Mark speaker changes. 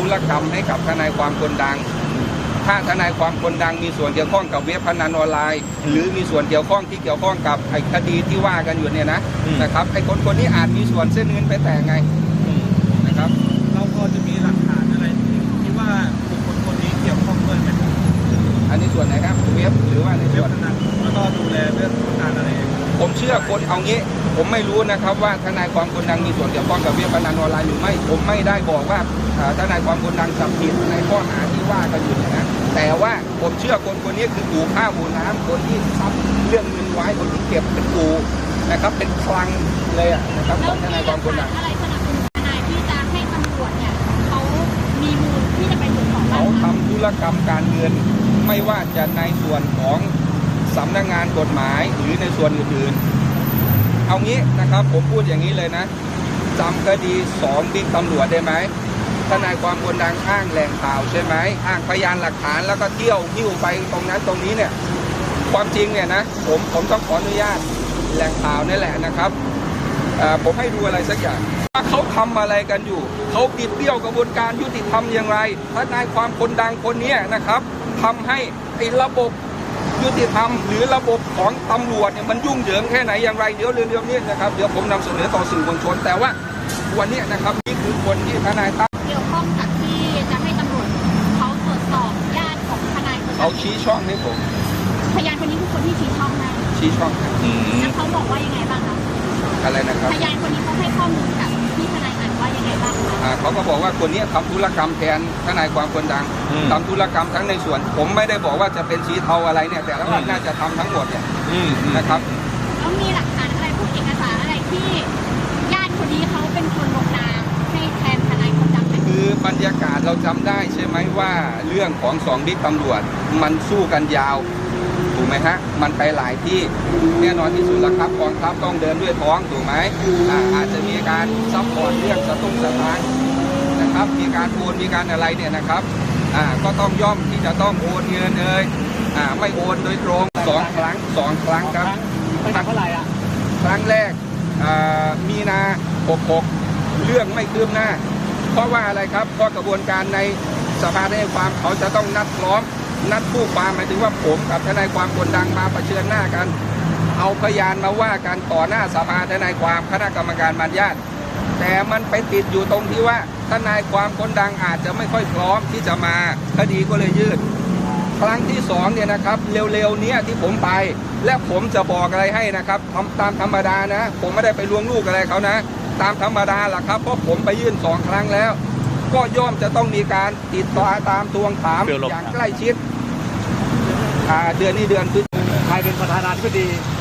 Speaker 1: รกรรมให้กับทนายความคนดังถ้าทนายความคนดังมีส่วนเกี่ยวข้องกับเว็บพนันออนไลน์หรือมีส่วนเกี่ยวข้องที่เกี่ยวข้องกับไอ้คดีที่ว่ากันอยู่เนี่ยนะครับไอ้คนนี้อาจมีส่วนเส้นเงินไปแต่ไงนะครับ
Speaker 2: เราพอจะมีหลักฐานอะไรที่ว่าบุคคลคนนี้เกี่ยวข้องด้วยไหม
Speaker 1: อันนี้ส่วนไหนครับเว็บหรือว่าในส่วน
Speaker 2: นั้นแล้วก็ดูแลเรื่องการอะไร
Speaker 1: ผมเชื่อคนเอางี้ผมไม่รู้นะครับว่าทนายความคนดังมีส่วนเกี่ยวข้องกับเว็บพนันออนไลน์หรือไม่ผมไม่ได้บอกว่าทนายความคนดังจับผิดในข้อหาที่ว่ากันอยู่นะแต่ว่าผมเชื่อคนนี้คือปู่ข้าวปู่น้ำคนที่ทำเรื่องเงินไว้คนที่เก็บเป็นปู่นะครับเป็นคลังเลยนะครับของทนายความคนดัง
Speaker 3: อะไรสนับสนุนทนายที่จะให้ตำรวจเนี่ยเขามีมูลที่จะไปตรวจสอบ
Speaker 1: เขาทำธุรกรรมการเงินไม่ว่าจะในส่วนของสำนักงานกฎหมายหรือในส่วนอื่นๆเอางี้นะครับผมพูดอย่างนี้เลยนะจำคดี2บิ๊กตำรวจได้ไหมทนายความคนดังอ้างแหล่งข่าวใช่ไหมอ้างพยานหลักฐานแล้วก็เที่ยวหิ้วไปตรงนั้นตรงนี้เนี่ยความจริงเนี่ยนะผมต้องขออนุญาตแหล่งข่าวนี่แหละนะครับผมให้ดูอะไรสักอย่างว่าเขาทำอะไรกันอยู่เขาบิดเบี้ยวกระบวนการยุติธรรมอย่างไรทนายความคนดังคนนี้นะครับทำให้ไอ้ระบบยุติธรรมหรือระบบของตำรวจเนี่ยมันยุ่งเหยิงแค่ไหนอย่างไรเดี๋ยวเรื่องนี้นะครับเดี๋ยวผมนำเสนอต่อสื่อมวลชนแต่ว่าวันนี้นะครับนี่คือคนที่ทนายตั้ม
Speaker 3: เกี่ยวข้องกับที่จะให้ตำรวจเขาตรวจสอบญาติของทนายคน
Speaker 1: เขาชี้ช่องให้ผม
Speaker 3: พยานคนนี้คือคนที่ชี้ช่องให้
Speaker 1: ชี้ช่อง
Speaker 3: แล้วเขาบอกว่ายังไงบ้างคะ
Speaker 1: อะไรนะครับ
Speaker 3: พยานคนนี้เขาให้ข้อมูลกับที่ทนายอ่านว่ายังไงบ้างคะ
Speaker 1: เขาก็บอกว่าคนนี้ทำธุรกรรมแทนทนายความคนดังทำธุรกรรมทั้งในส่วนผมไม่ได้บอกว่าจะเป็นสีเทาอะไรเนี่ยแต่ว่าน่าจะทำทั้งหมดเนี่ยนะครับ
Speaker 3: แล้วมีหลักฐานอะไรพวกเอกสารอะไรที่ญาติคนนี้เขาเป็นคนลงนามให้แทนทนายคนดัง
Speaker 1: คือบรรยากาศเราจำได้ใช่ไหมว่าเรื่องของ2บิ๊กตำรวจมันสู้กันยาวถูกไหมฮะมันไปหลายที่แน่นอนที่สุดแล้วครับกองทัพต้องเดินด้วยท้องถูกไหมอาจจะมีการซัพพอร์ตเรื่องสตุ้งสตางค์นะครับมีการโอนมีการอะไรเนี่ยนะครับก็ต้องย่อมที่จะต้องโอนเงินเลยไม่โอนโดยตรง2 ครั้งครับ
Speaker 2: เท่าไหร่อ่ะ
Speaker 1: ครั้งแรกมีนา66เรื่องไม่คืบหน้าเพราะว่าอะไรครับเพราะกระบวนการในสภาทนายความเขาจะต้องนัดพร้อมนัดผู้ความหมายถึงว่าผมกับทนายความคนดังมาเผชิญหน้ากันเอาพยานมาว่ากันต่อหน้าสภาทนายความคณะกรรมการบรรยาทแต่มันไปติดอยู่ตรงที่ว่าทนายความคนดังอาจจะไม่ค่อยพร้อมที่จะมาคดีก็เลยยืดครั้งที่2เนี่ยนะครับเร็วๆนี้ที่ผมไปและผมจะบอกอะไรให้นะครับตามธรรมดานะผมไม่ได้ไปลวงลูกอะไรเขานะตามธรรมดาแหละครับเพราะผมไปยื่น2 ครั้งแล้วก็ย่อมจะต้องมีการติดต่อตามทวงถามอย่างใกล้ชิดเดือนนี้เดือนพฤษภาคม
Speaker 2: ใครเป็นประธานาธิบดี